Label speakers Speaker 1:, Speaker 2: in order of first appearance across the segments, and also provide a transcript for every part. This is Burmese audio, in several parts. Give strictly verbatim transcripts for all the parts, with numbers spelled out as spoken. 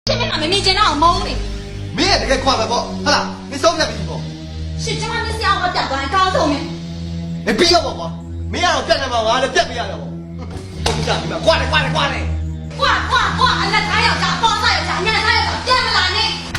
Speaker 1: 现在俺们没见到猫呢。
Speaker 2: 没这个看了不？好了，你手边没不？
Speaker 1: 是这样的想我表哥告诉你。
Speaker 2: 你别要我不？没让别人嘛，我还别不要了不？我不想你们，挂嘞挂嘞挂嘞！
Speaker 1: 挂挂挂！俺那他要炸，包他要炸，你那他要炸，变不来呢。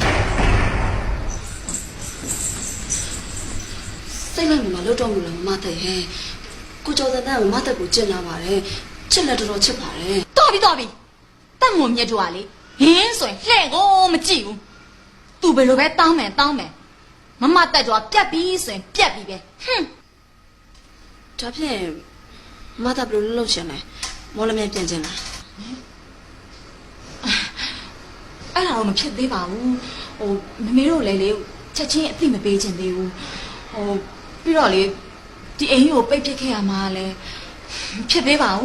Speaker 3: စိတ်လိုက်မှာလို့တော့မလို့မမတဲ့ဟဲ့ကိုကျော်တဲ့တန်းကမမတဲ့ကိုကျင်လာပါတယ်ချစ်လက်တော်တော်ချစ်ပါတယ်
Speaker 1: တော်ပြီတော်ပြီတတ်မွန်မြတ်တို့ကလေဟင်းဆိုရင်လှဲ့ကိုမကြည့်ဘူးသူဘယ်လိုပဲတောင်းမယ်တောင်းမယ်မမတက်ကြွားပြက်ပြီးဆိုရင်ပြက်ပြီးပဲဟွန်း
Speaker 3: ဒါဖြင့်မမတဲ့ဘယ်လိုလုပ်ချင်လဲမော်လမြိုင်ပြန်ချင်လား
Speaker 1: အဲ့ဒါတော့မဖြစ်သေးပါဘူးဟိုမမေတို့လည်းလေချက်ချင်းအသိမပေးချင်သေးဘူးဟိုပြီးတော့လေဒီအိမ်ကြီးကိုပိတ်ပစ်ခဲ့ရမှာလဲဖြစ်သေးပါဘူး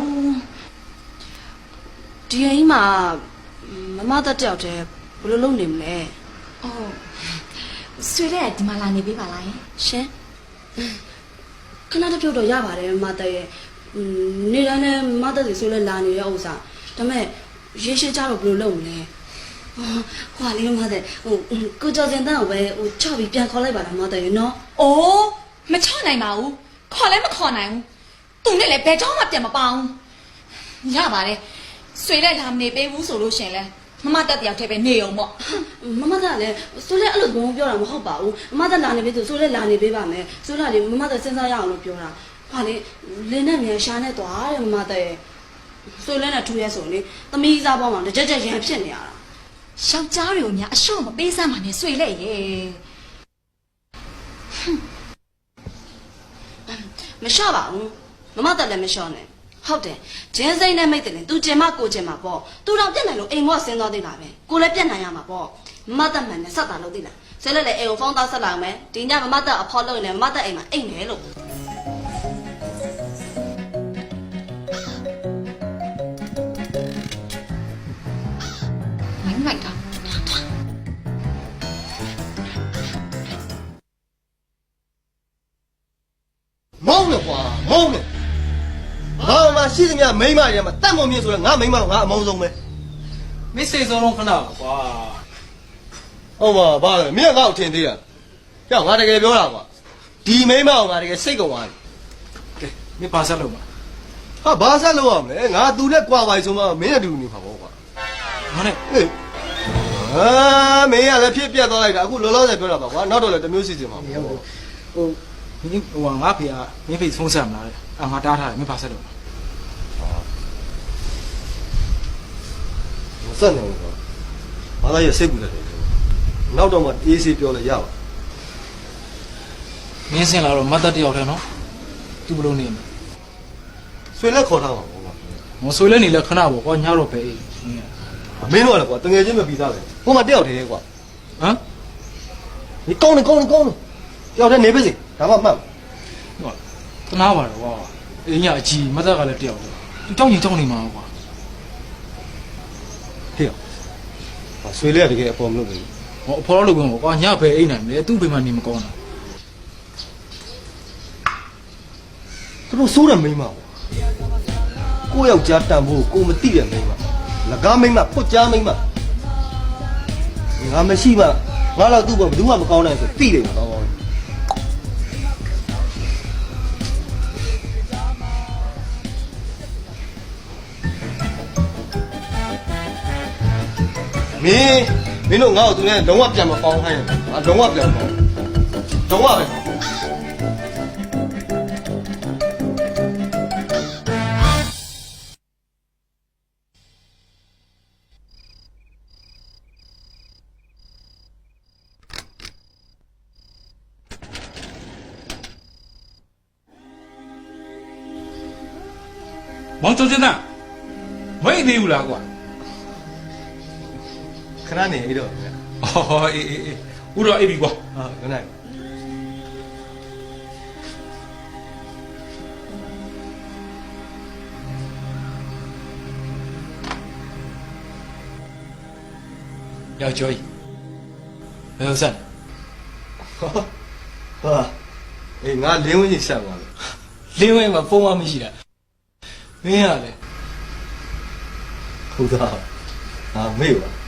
Speaker 3: ဒီအိမ်မှာမမတဲ့တယောက်တည်းဘယ်လိုလုပ်နေမလဲ
Speaker 1: ဟုတ်ဆွေတဲ့ဒီမှာလာနေပေးပါလားယင်
Speaker 3: ရှင်ခဏတစ်ပြုတ်တော့ရပါတယ်မမတဲ့ရဲ့နေတိုင်းနဲ့မမတဲ့စီဆိုလဲလာနေတဲ့ဥစ္စာဒါပေမဲ့ရေရှည်ကြတော့ဘယ်လိုလုပ်မလဲဟိုဟာလေးမတဲ့ဟိုကိုကျော်စင်တန်းကိုပဲဟိုချပြီးပြန်ခေါ်လိုက်ပါလားမတဲ့နော်
Speaker 1: အိုးမချနိုင်ပါဘူးခေါ်လည်းမခေါ်နိုင်ဘူးသူနဲ့လည်းဘယ်ကြောမှပြန်မပေါအောင်ရပါတယ်ဆွေတဲ့လာမနေပေးဘူးဆိုလို့ရှင်လဲမမတက်တယောက်တည်းပဲနေအောင်ပေါ့
Speaker 3: မမကလည်းဆိုလဲအဲ့လိုဘုံပြောတာမဟုတ်ပါဘူးမမကလာနေပြီဆိုဆိုလဲလာနေပေးပါမယ်ဆိုလာလေမမကစဉ်းစားရအောင်လို့ပြောတာဟာလေလင်းနဲ့မြန်ရှာနဲ့သွားတယ်မမတဲ့ဆိုလဲနဲ့ထူရဲဆိုလေသမီးစားပေါင်းမှာတကြက်ကြက်ရန်ဖြစ်နေရတာ
Speaker 1: ယောက်ျားတွေကိုများအရှော့မပေးစမ်းပါနဲ့ဆွေလက်ရဲ့
Speaker 3: မလျှော့ပါဘူးမမတက်လည်းမလျှော့နဲ့ဟုတ်တယ်ဂျင်းစိမ့်နဲ့မိတ်တယ်လေ तू ကျင်မကိုကျင်မပေါ့ तू တော့ပြက်နိုင်လို့အိမ်မော့ဆင်းသွားသေးတာပဲကိုလည်းပြက်နိုင်ရမှာပေါ့မမတက်မှန်နဲ့ဆက်တာလို့သိလားဆဲလက်လေအိမ်ကိုဖုန်းသားဆက်လာမယ်ဒီညမမတက်အဖော်လို့နေမမတက်အိမ်မှာအိမ်နေလို့
Speaker 1: မိုင်းလိုက်တာ
Speaker 2: မောင်း了ကွာမောင်း了ငါမှရှိသမျှမိန်းမတွေမှာတတ်မုံမြင့်ဆိုတော့ငါမိန်းမတော့ငါအမောင်းဆုံးပဲ
Speaker 4: မစ်စိတ်ဆုံးလုံးခဏပါကွာ
Speaker 2: ဟုတ်ပါဘာလဲမင်းကငါ့ကိုထင်သေးတာကြောက်ငါတကယ်ပြောတာကွာဒီမိန်းမအောင်ငါတကယ်စိတ်ကုန်သွားပြီ
Speaker 4: ကဲမင်းပါဆက်လို့ပါ
Speaker 2: ဟာဘာဆက်လို့ရမလဲငါသူနဲ့ကြွားပါဆိုမှမင်းနဲ့တူနေမှာပေါ့ကွာ
Speaker 4: ငါနဲ့
Speaker 2: ဟေးအာမင်းကလည်းဖြစ်ပြတ်သွားလိုက်တာအခုလောလောဆယ်ပြောတာပါကွာနောက်တော့လည်းတစ်မျိုးစီစဉ်မှာပေါ့
Speaker 4: ဟိုဟိုမင်းဟိုငါဖေကမင်းဖေဖုန်းဆက်မလားအာငါတားထားတယ်မင်းပါဆက်လို့
Speaker 2: မဆက်နိုင်ဘူးကွာဘာသာရစိတ်ကူတယ်နောက်တော့မှအေးဆေးပြောလဲရပါ
Speaker 4: မင်းစင်လာတော့မတ်တက်တယောက်တည်းနော်သူဘလို့နေမလဲ
Speaker 2: ဆွေလက်ခေါ်ထားပါဘောကွာ
Speaker 4: မဆွေးလဲနေလဲခဏပေါ့ကွာညတော့ပဲအေး
Speaker 2: မင်းတို့ကလည်းကွာတငယ်ချင်းမပြီးသားပဲဟိုမှာတယောက်တည်းကွာ
Speaker 4: ဟမ်
Speaker 2: 你高呢高呢高呢，要在哪边去？咱们慢。
Speaker 4: ဟိုတနာပါတော့ကွာအင်းညအကြီးမတ်တက်ကလည်းတယောက်တည်းသူကြောက်ရင်ကြောက်နေမှာကွာ
Speaker 2: 嘿呀，啊，水里这个包没得。
Speaker 4: ဟောအဖော်လို့ကွာကွာညပဲအိမ်နိုင်မယ်သူ့ဘေးမှာနေမကောင်းတာ
Speaker 2: 这都收了没嘛？我要加担保，我们地人没嘛？那干没嘛？不加没嘛？俺们西嘛，俺老杜不不我们高呢是地人高高。မင်းမင်းတို့ငါ့ကိုသူနဲ့လုံးဝပြန်မပေါင်းခိုင်းရဘူး။အလုံးဝပြန်မပေါင်း။လုံးဝပဲ။
Speaker 5: မောင်ကျော်စင်သားမွေးသေးဘူးလားကွာ
Speaker 2: ခဏနေအဲ့တော့
Speaker 5: အော်အေးအေးအေးဦးတော့အိပ်ပြီကွာ
Speaker 2: ဟာခဏ
Speaker 4: ယောက်ျောကြီးဘယ်လိုဆက်
Speaker 2: ဟာအေးငါလင်းဝင်းကြီးဆက်သွားတယ်
Speaker 4: လင်းဝဲမှာဖုန်းမမရှိတာမင်းရလေ
Speaker 2: ဟုတ်သားဟာမေ့ပါ